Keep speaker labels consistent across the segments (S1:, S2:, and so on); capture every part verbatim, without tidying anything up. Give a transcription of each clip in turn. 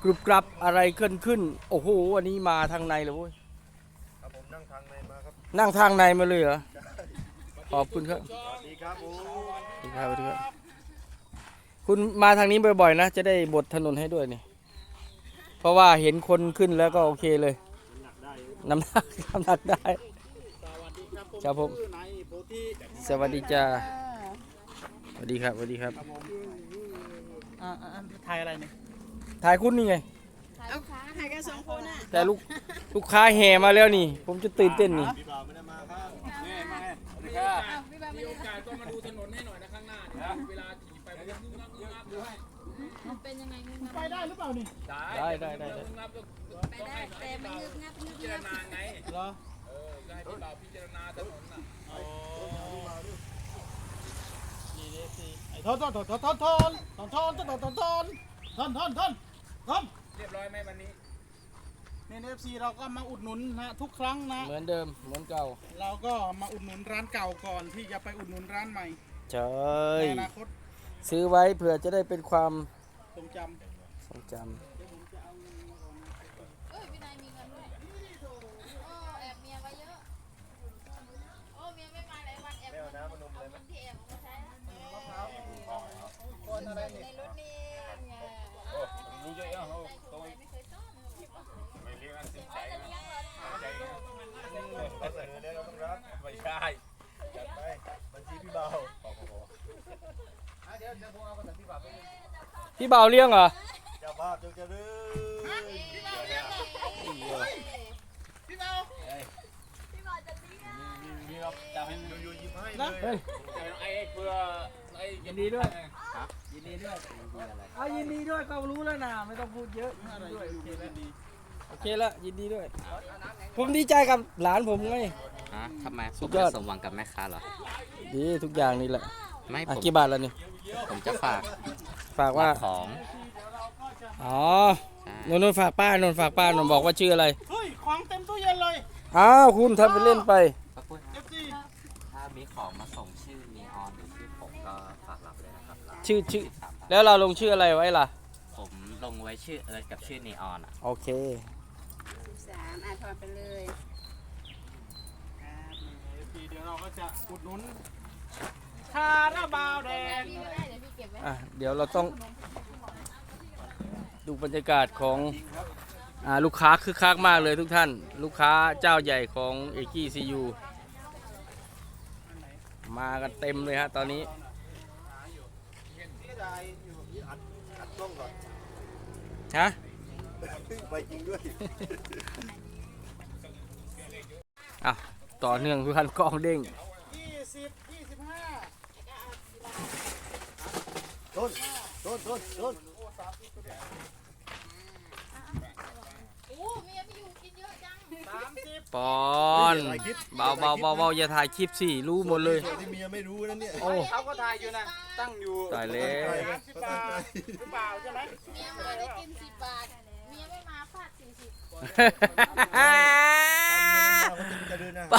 S1: กรุบกรับอะไรขึ้นขึ้นโอ้โหอันนี้มาทางในเลยเว้ย
S2: ครับผมนั่งทางในมาครับ
S1: นั่งทางในมาเลยเหรอขอบคุณครับ
S2: สวัสดีครับผม
S1: สวัสดีครับสวัสดีครับคุณมาทางนี้บ่อยๆนะจะได้บดถนนให้ด้วยนี่เพราะว่าเห็นคนขึ้นแล้วก็โอเคเลยน้ำหนักน้ำหนักได้ครับผมสวัสดีจ้าสวัสดีครับสวัสดีครับ
S3: ถ่ายอะไรเนี่ย
S1: ถ่ายคุณนี่ไง
S4: เอาขาถ่ายกันสองคนอ่ะ
S1: แต่ลูกลูกค้าแห่มาแล้วนี่ผมจะตื่นเต้นนี่
S2: พี่บ่าวไม่ได้มาครับ
S3: แม่มาสวัสดีครับมีโอกาสก็มาดูถนนให้หน่อยนะข้างหน้าเนี่ยเวลาขี่ไปมันงึ้งงับงึ้งงับด้วย
S4: มันเป็นยังไงงึ้งงับ
S3: ไปได้หรือเปล่านี่
S1: ได้ได้ได้ได้
S4: ไปได้แต่มันงึ้งงับงึ้ง
S3: พิจาร
S4: งับ
S3: ณาไง
S1: เหรอ
S3: เออให้พี่บ่าวพิจารณาถนนน่ะอ๋อ
S5: นี่นี่สิไอ้ทอนทอนทอนทอนทอนทอนทอนทอนทอนทอนทอนทอนทอนทอนทอน
S3: เรียบร้อยไหมวันนี้
S5: นี่เอฟซีเราก็มาอุดหนุนนะทุกครั้งนะ
S1: เหมือนเดิมเหมือนเก่า
S5: เราก็มาอุดหนุนร้านเก่าก่อนที่จะไปอุดหนุนร้านใหม่
S1: ใช่
S5: ในอนาคต
S1: ซื้อไว้เผื่อจะได้เป็นความ
S5: ทรงจ
S1: ทรงจำ
S4: เอ้ยพี่นายมีเงินด้วยโอ้แอบเมียไว้เยอะโอ้เมียไม่มาหลายวันแอบเอาเงินที่แอบมาใช้
S5: คนอะไร
S4: ใน
S5: นี่
S4: รถนี่ไง
S3: รู้เยอะยังโอ้โต
S4: ไม่เคยซ่อน
S3: ไม่เรียกอันสิบใจนะใจ
S2: เราเสนอแล้วเราต้องรับ
S3: ไม่ใช่
S2: จัดไปบัญชีพี่บ่าว
S5: เดี๋ยวเดี๋ยวผมเอากระดาษที่ฝากไป
S1: พี่เบาเลี้ยงเหรอ
S2: เจ้าภาพจงเจริญ
S5: พี่เบาพี่เบา
S4: พี่บอกจะดีอ่ะ
S3: มีเราจะให้
S2: อยู่ๆยิ้มให้เล
S1: เฮ้
S2: ย
S1: ย
S3: ไอ้เพื่อไอ้
S1: ยินดีด้วยยินดีด้วยเอายินดีด้วยก็รู้แล้วนะไม่ต้องพูดเยอะด้วยโอเคแล้วยินดีด้วยผมดีใจกับหลานผมไง
S6: ฮะทำไมผ
S1: สุ
S6: ม
S1: ดยอ
S6: จะ
S1: ด
S6: สมหวังกับแม่ค้าเหรอ
S1: ดีทุกอย่างนี่แหละ
S6: ไม่ผ
S1: อ่ะ
S6: ม
S1: กี่บาทแล้วนี่
S6: ผมจะฝาก
S1: ฝากว่า
S6: ของ
S1: อ๋อนนนนฝากป้านนฝากป้านนบอกว่าชื่ออะไร
S5: เฮ้ยของเต็มตู้เย็นเลย
S1: อ้าวคุณทำไปเล่นไป
S6: ขอบคุณ
S5: เอฟซี
S6: ถ้ามีของมาส่งชื่อนีออนหรือชื่อผมก็ฝากรับเลยนะครับ
S1: ชื่อชื่อ
S6: สามบาท
S1: แล้วเราลงชื่ออะไรไว้ล่ะ
S6: ผมลงไว้ชื่อเอิร์ธกับชื่อนีออนอ่ะ
S1: โอเค
S4: สามอ่ะถอดไปเลย
S5: เอฟซีเดี๋ยวเราก็จะอุดหนุนคาราบาวแดง
S4: พี่ก็ได้เดี๋ยวพี่เก็บไว้
S1: อ่ะเดี๋ยวเราต้องดูบรรยากาศของอ่าลูกค้าคึกคักมากเลยทุกท่าน ลูกค้าเจ้าใหญ่ของเอกี้ซียูมากันเต็มเลยฮะตอนนี้ฮะ
S2: ไปจริงด้วย
S1: อ่ะต่อเนื่องทุกท่านกล้องเด้ง
S5: ยี่สิบยี่สิบห้า
S2: ต้นต้นต้นต้น
S4: โอ้เมียไม่อยู่กินเยอะจัง
S5: สามสิบ
S1: ปอนเบาเบาเบาเบาอย่าถ่ายคลิปสิรู้หมดเลย
S2: ส่วนที่เมียไม่รู้นั่นเนี่ย
S1: โอ้
S5: เขาก็ถ่ายอยู่นะตั้งอยู่
S1: ตายแล้ว
S5: สามสิบบาทหรือเปล่าใช่ไหม
S4: เมียมาได้กินสิบบาทเมียไม่มาฟาดสี่สิบ
S2: จะเดินนะ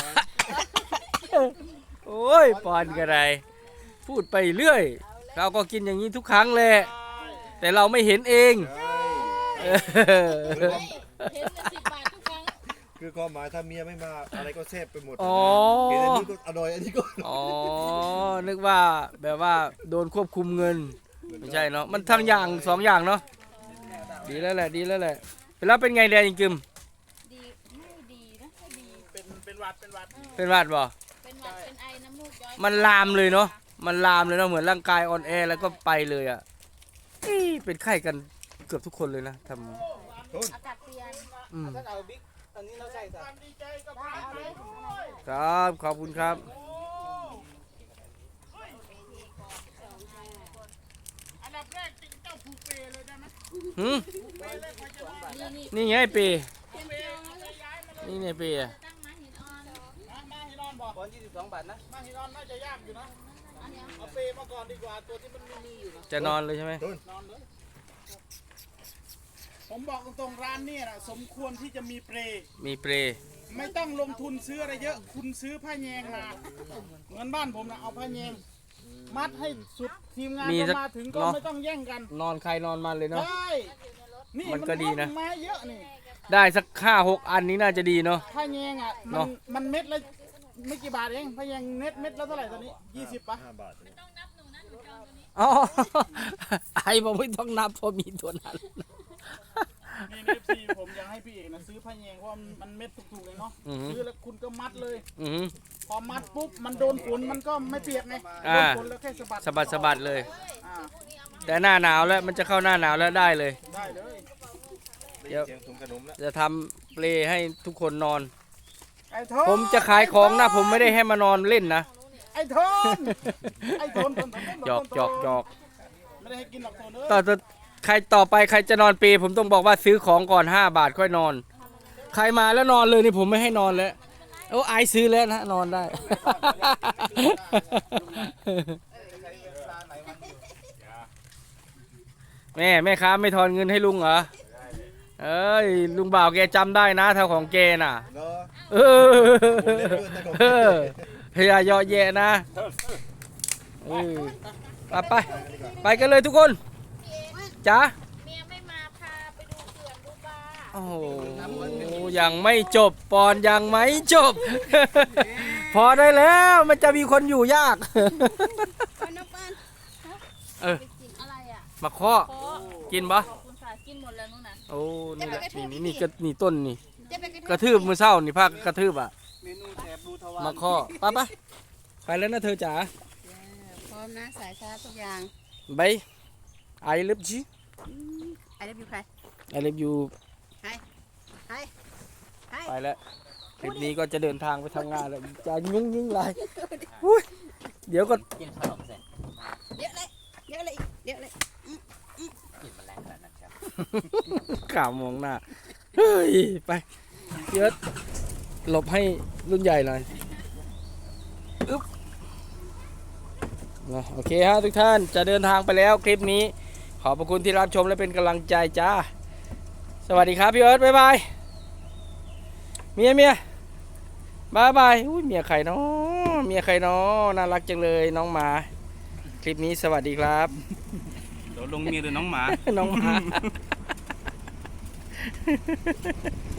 S1: โอ้ยปอนกันไรพูดไปเรื่อย เราก็กินอย่างนี้ทุกครั้งแหละแต่เราไม่เห็นเองเออ
S4: เห็นแต่สิบบาททุกครั้ง
S2: คือความหมายถ้าเมียไม่มาอะไรก็แซ่บไปหมด
S1: อ๋อ
S2: เห็นอันนี้ก็อร่อยอันนี้ก็
S1: อ๋อนึกว่าแบบว่าโดนควบคุมเงินไม่ใช่เนาะมันทั้งอย่างสองอย่างเนาะดีแล้วแหละดีแล้วแหละแล้วเป็นไงแดนจิม
S4: ดีไม่ดีนะไม่ดี
S5: เป็นเป็นหวัดเป็นหวัด
S1: เป็นหวัดบ่
S4: เป็นหวัดเป็นไอน้ำมูกย้อย
S1: มันลามเลยเนาะมันลามเลยเนาะเหมือนร่างกายอ่อนแอแล้วก็ไปเลยอ่ะอี้เป็นไข้กันเกือบทุกคนเลยนะทำ
S4: อากาศเปลี่ยน
S1: อืม
S5: ถ้าเอาบิ๊กอันนี้เราใส่ความดีใจกับ
S4: ได้เอาเลย
S1: ครับขอบคุณครับ
S5: อันดับแรกจริงเจ้าผูกเปเลยได้ไหม
S1: หืม
S4: นี่นี่
S1: นี่ไงปี
S4: เตรียมเจียวนะเลยย้ายมาเลย
S1: นี่ไงปีอะ
S4: ตั้งมาหินอ่อน
S5: มามาฮิรอนบอก
S3: บอลยี่สิบสองบาทนะ
S5: มาฮิรอนน่าจะยากอยู่นะ
S4: อันเนี้ย
S5: เอาเปมาก่อนดีกว่าตัวที่มันไม่มีอยู่นะ
S1: จะนอนเลยใช่ไหม
S5: นอนเลยผมบอกตรงๆร้านเนี่ยนะสมควรที่จะมีเปร
S1: มีเปร
S5: ไม่ต้องลงทุนซื้ออะไรเยอะ คุณซื้อผ้าแยงมาเหมือนบ้านผมนะเอาผ้าแยงมัดให้สุดทีมงานก็มาถึงก็ไม่ต้องแย่งกัน
S1: นอนใครนอนมันเลยเนาะ
S5: ใช่
S4: อยู่ในรถ
S5: นี่
S1: มันก็ดีนะ
S5: มาเยอะนี่
S1: ได้สักห้าหกอันนี้น่าจะดีเนาะ
S5: ผ้าแยงอ่ะมั
S1: เนาะ
S5: นมันเม็ดละไม่กี่บาทเองผ้าแยงเม็ดเม็ดละเท่าไหร่ตอนนี้ยี่สิบป่ะ
S2: ห้าบาทเนี่ย
S1: อ๋อ ไอ้บอกไม่ต้องนับเพราะมีตัวนั้น
S5: นี่เอฟซีผมอยากให้พี่เอกนะซื้อผ้าแยงเพราะว่ามันเม็ดถูกๆเลยเนาะ
S1: อือหือ
S5: ซื้อแล้วคุณก็มัดเลย
S1: อือหือ
S5: พอมัดปุ๊บมันโดนฝนมันก็ไม่เปียกไง
S1: อ่า
S5: โดนฝนแล้วแค่สะบัด
S1: สะบัดสะบัดเลย
S5: อ่า
S1: แต่หน้าหนาวแล้วมันจะเข้าหน้าหนาวแล้วได้เลย
S5: ได้เลย
S2: ได้ยินเสียงถุงขนมแล้ว
S1: จะทำเปลให้ทุกคนนอน
S5: ไอ้โทน
S1: ผมจะขายของนะผมไม่ได้ให้มานอนเล่นนะ
S5: ไอ้โทนไอ้โทนโทนโทนโทน
S1: หยอกหยอกหยอก
S5: ไม่ได้ให้กินหรอกโทนเอ้ย
S1: ต่อต่อใครต่อไปใครจะนอนเปลผมต้องบอกว่าซื้อของก่อนห้าบาทค่อยนอน ใครมาแล้วนอนเลยนี่ผมไม่ให้นอนแล้วโอ้ไอซ์ซื้อแล้วนะนอนได้ แม่แม่ค้าไม่ทอนเงินให้ลุงเหรอเอ้ยลุงบ่าวแกจำได้นะเท่าของแกน่ะ
S2: เนาะ
S1: เออ
S2: ผมเล่นด้วยนะผม
S1: เออพยายอแย่นะเออไปไปไปกันเลยทุกคนจ้า
S4: เมียไม่มาพาไปดูเขื่อนดูปลา
S1: โอ้โหยังไม่จบปอนยังไม่จบ พอได้แล้วมันจะมีคนอยู่ยาก
S4: ปานปาน
S1: เออ
S4: ไปกินอะไรอ่ะ
S1: มาข้อ
S4: ขอ
S1: กินปะ
S4: ขอบคุณค่ะกินหมดแล้วนู่นน่ะ
S1: โอ้นี่แหละนี่นี่นี่กระนี่ต้นนี่
S4: เจ๊ไป
S1: กระทืบมือเศร้านี่ภาคกระทืบอ่ะ
S5: เมนูแถบรูทวาร
S1: มาข้อไปไปไปแล้วนะเธอจ๋า
S4: พร้อมนะสายชาร์จทุกอย่าง
S1: ไปไอเลิฟจี
S4: ไอ้เล็บอยู่ใคร
S1: ไอเลิฟยู
S4: ใครใคร
S1: ไปแล้วคลิปนี้ก็จะเดินทางไปทำงานแล้วจะยุ่งยิ่งไรอุ้ยเดี๋ยวก็
S6: กินขนมเสร็จ
S4: เยอะเลยเยอะเลยเยอะเลย
S6: กินแมลงขนาดนั้นครับ
S1: ข่าวมองหน้า เฮ้ย ไปเยอะหลบให้รุ่นใหญ่หน่อยอึ๊บนะโอเคฮะทุกท่านจะเดินทางไปแล้วคลิปนี้ ขอบพระคุณที่รับชมและเป็นกำลังใจจ้า สวัสดีครับพี่เอิร์ธบ๊ายบาย เมียเมียบายบายอุ้ยเมียใครเนาะเมียใครเนาะน่ารักจังเลยน้องหมา คลิปนี้สวัสดีครับ
S5: เดี๋ยวลงเมียหรือน้องหมา
S1: น้องหมา